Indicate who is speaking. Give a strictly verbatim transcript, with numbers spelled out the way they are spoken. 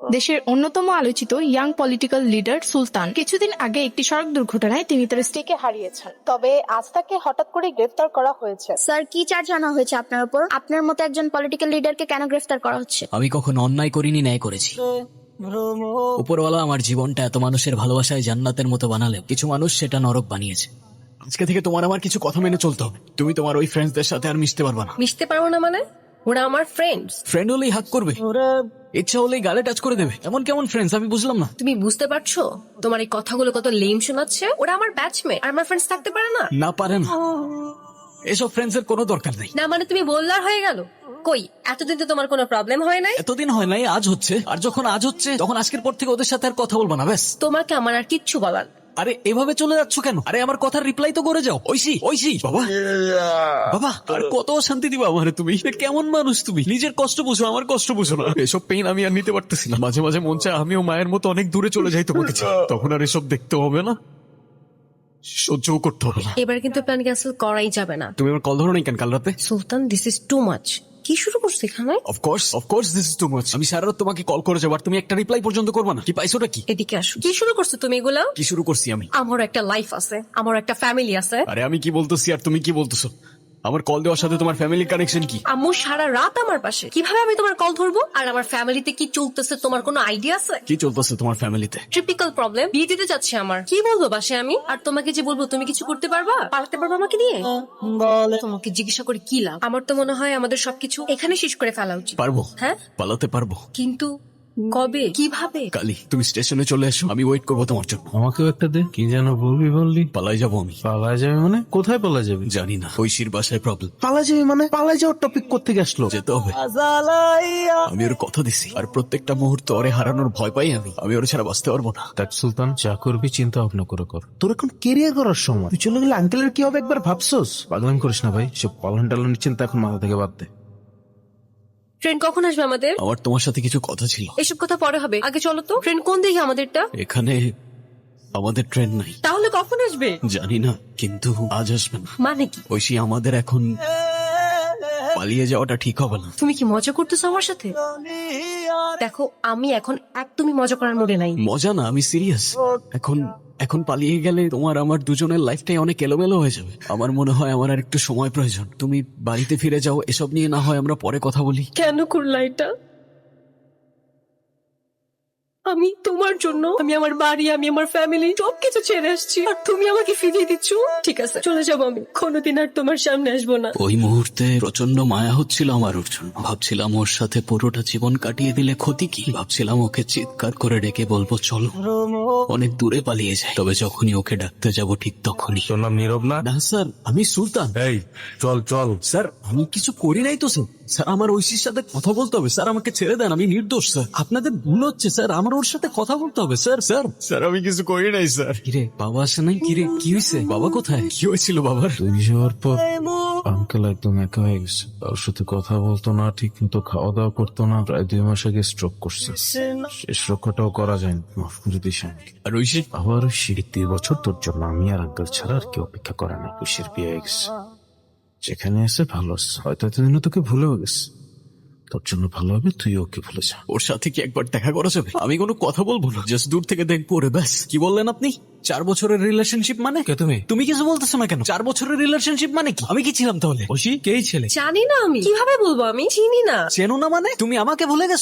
Speaker 1: দেশের অন্যতম আলোচিত ইয়াং পলিটিক্যাল লিডার সুলতান কিছুদিন আগে একটি সড়ক দুর্ঘটনায় তিনি তার স্ত্রীকে হারিয়েছেন। তবে আজ তাকে হঠাৎ করে গ্রেফতার করা হয়েছে।
Speaker 2: স্যার, কি চার্জ আনা হয়েছে আপনার উপর? আপনার মতো একজন পলিটিক্যাল লিডারকে কেন গ্রেফতার করা হচ্ছে?
Speaker 3: আমি কখনো অন্যায় করিনি, ন্যায় করেছি। উপরওয়ালা আমার জীবনটা এত মানুষের ভালোবাসায় জান্নাতের মতো বানালেও কিছু মানুষ সেটা নরক বানিয়েছে। আজকে থেকে তোমার আমার কিছু কথা মেনে চলতে হবে। তুমি তোমার ওই ফ্রেন্ডসদের সাথে আর মিশতে পারবে না।
Speaker 4: মিশতে পারবো না মানে? ওরা আমার ফ্রেন্ডস।
Speaker 3: ফ্রেন্ড হলেই হাক করবে, ইচ্ছা হলেই গালে টাচ করে দেবে। এমন কেমন ফ্রেন্ডস আমি বুঝলাম না।
Speaker 4: তুমি বুঝতে পারছো তোমার এই কথাগুলো কত লেম শোনাচ্ছে? ওরা আমার ব্যাচমেট আর আমার ফ্রেন্ডস থাকতে পারে না?
Speaker 3: না পারে না, এসব ফ্রেন্ডস এর কোনো দরকার নেই।
Speaker 4: না মানে তুমি বললার হয়ে গেল? কই, এতদিন তো তোমার কোনো প্রবলেম হয় নাই।
Speaker 3: এতদিন হয় নাই, আজ হচ্ছে। আর যখন আজ হচ্ছে তখন আজকের পর থেকে ওদের সাথে আর কথা বলবো না, ব্যাস।
Speaker 4: তোমাকে আমার আর কিচ্ছু বলার।
Speaker 3: আরে এভাবে চলে যাচ্ছ কেন? আরে আমার কথার রিপ্লাই তো করে যাও। ঐশী, ঐশী, বাবা বাবা, আর কত শান্তি দিবা আমারে তুমি? কেমন মানুষ তুমি? নিজের কষ্ট বুঝো, আমার কষ্ট বুঝো না। এসব পেইন আমি আর নিতে পারতেছি না। মাঝে মাঝে মন চায় আমিও মায়ের মতো অনেক দূরে চলে যাই তোমাকে ছেড়ে। তখন আর এসব দেখতে হবে না, সহ্যও করতে হবে না।
Speaker 4: এবার কিন্তু প্ল্যান ক্যান্সেল করাই যাবে না।
Speaker 3: তুমি আমার কল ধরো নাই কেন কাল রাতে?
Speaker 4: Sultan, this is too much. কি শুরু করছো এখানে?
Speaker 3: Of course of course this is too much. আমি সারা রাত তোমাকে কল করে যাবো আর তুমি একটা রিপ্লাই পর্যন্ত করবে না। কি পাইছোটা কি?
Speaker 4: এদিকে আসো। কি শুরু করছো তুমি এগুলা?
Speaker 3: কি শুরু করছি আমি?
Speaker 4: আমার একটা লাইফ আছে, আমার একটা ফ্যামিলি আছে।
Speaker 3: আরে আমি কি বলতেছি আর তুমি কি বলতেছো? আমার কল দেওয়ার সাথে তোমার ফ্যামিলির কানেকশন কি?
Speaker 4: আম্মু সারা রাত আমার পাশে, কিভাবে আমি তোমার কল ধরবো? আর আমার ফ্যামিলিতে কি চলতেছে তোমার কোনো আইডিয়া আছে?
Speaker 3: কি চলতেছে তোমার ফ্যামিলিতে?
Speaker 4: Typical problem. বিয়ে দিতে যাচ্ছে আমার, কি বলবো বাসে আমি? আর তোমাকে যে বলবো তুমি কিছু করতে পারবা, পালাতে পারবা আমাকে নিয়ে? তোমাকে জিজ্ঞাসা করে কি লাভ? আমার তো মনে হয় আমাদের সবকিছু এখানে শেষ করে ফেলা উচিত।
Speaker 3: পারবো,
Speaker 4: হ্যাঁ
Speaker 3: পালাতে পারবো,
Speaker 4: কিন্তু কবে, কিভাবে?
Speaker 3: কালি তুমি স্টেশনে চলে এসো, আমি ওয়েট করবো তোমার জন্য।
Speaker 5: আমাকেও একটা দে। কি যেন বলবি বললি?
Speaker 3: পালাই যাবো আমি।
Speaker 5: পালায় যাবে মানে? কোথায় পালায় যাবি?
Speaker 3: জানি না, ঐশীর বাসায় প্রবলেম।
Speaker 5: পালায় যাবি মানে? পালায় যাওয়ার টপিক কোত্থেকে আসলো?
Speaker 3: যেতে হবে, আমি ওর কথা দিছি। আর প্রত্যেকটা মুহূর্ত ওরে হারানোর ভয় পাই আমি। আমি ওর ছাড়া বাঁচতে পারবো না।
Speaker 5: দেখ সুলতান, যা করবি চিন্তা ভাবনা করে কর। তোর এখন কেরিয়ার করার সময়। তুই চলে গেলে আঙ্কেলের কি হবে একবার ভাবছোস? পাগলামি করিস না ভাই, সব পালন টালনের চিন্তা এখন মাথা থেকে বাদ দে।
Speaker 4: ট্রেন কখন আসবে আমাদের?
Speaker 3: আমার তোমার সাথে কিছু কথা ছিল।
Speaker 4: এসব কথা পরে হবে, আগে চলো তো। ট্রেন কোন দিকে আমাদেরটা?
Speaker 3: এখানে আমাদের ট্রেন নাই।
Speaker 4: তাহলে কখন আসবে?
Speaker 3: জানি না, কিন্তু আজ আসবে না।
Speaker 4: মানে কি?
Speaker 3: ঐশী, আমাদের এখন পালিয়ে যাওয়াটা ঠিক হবে না।
Speaker 4: তুমি কি মজা করতেছো আমার সাথে? দেখো, আমি এখন একদমই মজা করার মুডে নাই।
Speaker 3: মজা না, আমি সিরিয়াস। এখন এখন পালিয়ে গেলে তোমার আমার দুজনের লাইফটাই অনেক এলোমেলো হয়ে যাবে। আমার মনে হয় আমার আর একটু সময় প্রয়োজন। তুমি বাড়িতে ফিরে যাও, এসব নিয়ে না হয় আমরা পরে কথা বলি।
Speaker 4: কেন করলা এটা? আমি তোমার জন্য, আমি আমার বাড়ি, আমি আমার ফ্যামিলি সবকিছু ছেড়ে আসছি, আর তুমি আমাকে ফিরিয়ে দিচ্ছ। ঠিক আছে, চলে যাবো আমি, কোনোদিন আর তোমার সামনে আসবো না।
Speaker 3: ওই মুহূর্তে প্রচন্ড মায়া হচ্ছিল আমার ওর জন্য। ভাবছিলাম ওর সাথে পুরোটা জীবন কাটিয়ে দিলে ক্ষতি কি। ভাবছিলাম ওকে চিৎকার করে ডেকে বলবো চলো অনেক দূরে পালিয়ে যায়। তবে যখনই ওকে ডাকতে যাব ঠিক তখনই।
Speaker 5: তোর নাম নীরব না?
Speaker 3: না স্যার, আমি সুলতান।
Speaker 5: এই চল চল।
Speaker 3: স্যার আমি কিছু করি নাই তো স্যার। স্যার আমার ঐশীর সাথে কথা বলতে হবে স্যার, আমাকে ছেড়ে দেন, আমি নির্দোষ স্যার। আপনাদের ভুল হচ্ছে স্যার, আমার ওর সাথে কথা বলতে হবে স্যার। স্যার স্যার আমি কিছু করি নাই স্যার। কিরে বাবা আসে নাই? কিরে কি হয়েছে? বাবা কোথায়? কি হয়েছিল বাবার?
Speaker 5: তুই যাওয়ার পর আঙ্কেল একদম একা হয়ে গেছে। তার সাথে কথা বলতো না, ঠিক মতো খাওয়া দাওয়া করতো না। প্রায় দুই মাস আগে স্ট্রোক করছে। শেষ রক্ষাটাও করা যায়নি। মাফ করে দিস আমাকে।
Speaker 3: আর ঐশী?
Speaker 5: আবার ঐশী, দুই বছর তোর জন্য আমি আর আঙ্কেল ছাড়া আর কেউ অপেক্ষা করে না। ঐশীর বিয়ে হয়ে গেছে, যেখানে আছে ভালো আছে। হয়তো এতদিনও তোকে ভুলেও গেছে। তোর জন্য ভালো হবে তুই ওকে ভুলে যা।
Speaker 3: ওর সাথে কি একবার দেখা করা যাবে? আমি কোনো কথা বলবো না, জাস্ট দূর থেকে দেখবো ওরে, ব্যাস। কি বললেন আপনি? চার বছরের রিলেশনশিপ মানে?
Speaker 5: কে তুমি?
Speaker 3: তুমি কিছু বলতেছো না কেন? চার বছরের রিলেশনশিপ মানে কি? আমি কি ছিলাম তাহলে? ঐশী, কে এই ছেলে?
Speaker 4: জানি না, আমি কিভাবে বলবো? আমি চিনি না।
Speaker 3: চেনো না মানে? তুমি আমাকে ভুলে গেছো?